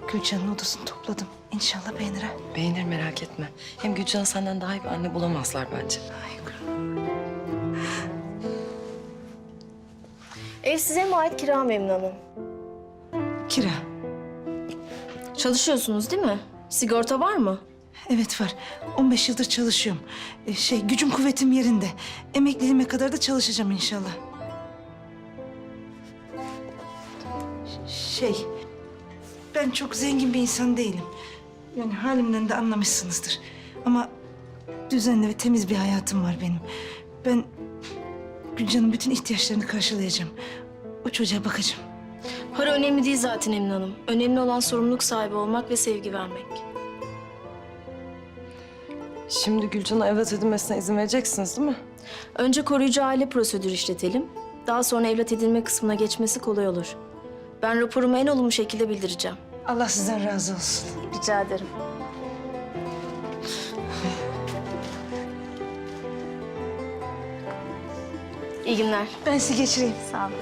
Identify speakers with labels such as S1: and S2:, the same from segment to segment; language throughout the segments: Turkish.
S1: Gülcan'ın odasını topladım. İnşallah beğenir ha.
S2: Beğenir, merak etme. Hem Gülcan senden daha iyi bir anne bulamazlar bence.
S1: Ay kurum.
S3: Ev size mi ait, kira mı Emine Hanım?
S1: Kira.
S3: Çalışıyorsunuz değil mi? Sigorta var mı?
S1: Evet var. 15 yıldır çalışıyorum. Gücüm kuvvetim yerinde. Emekliliğime kadar da çalışacağım inşallah. Ben çok zengin bir insan değilim. Yani halimden de anlamışsınızdır. Ama düzenli ve temiz bir hayatım var benim. Ben Gülcan'ın bütün ihtiyaçlarını karşılayacağım. O çocuğa bakacağım.
S3: Para önemli değil zaten Emine Hanım. Önemli olan sorumluluk sahibi olmak ve sevgi vermek.
S2: Şimdi Gülcan'a evlat edinmesine izin vereceksiniz değil mi?
S3: Önce koruyucu aile prosedürü işletelim. Daha sonra evlat edinme kısmına geçmesi kolay olur. Ben raporumu en olumlu şekilde bildireceğim.
S1: Allah sizden razı olsun.
S3: Rica ederim. İyi günler.
S1: Ben sizi geçireyim.
S3: Sağ olun.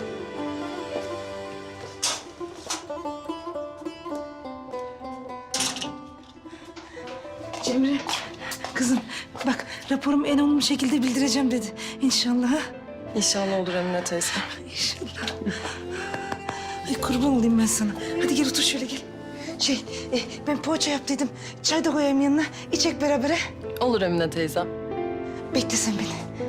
S1: Cemre, kızım bak raporumu en olumlu şekilde bildireceğim dedi. İnşallah. Ha?
S2: İnşallah olur Emine teyze.
S1: İnşallah. Ay kurban olayım ben sana. Hadi gel otur şöyle gel. Ben poğaça yaptıydım. Çay da koyayım yanına. İçek beraber.
S2: Olur Emine teyzem.
S1: Bekle sen beni.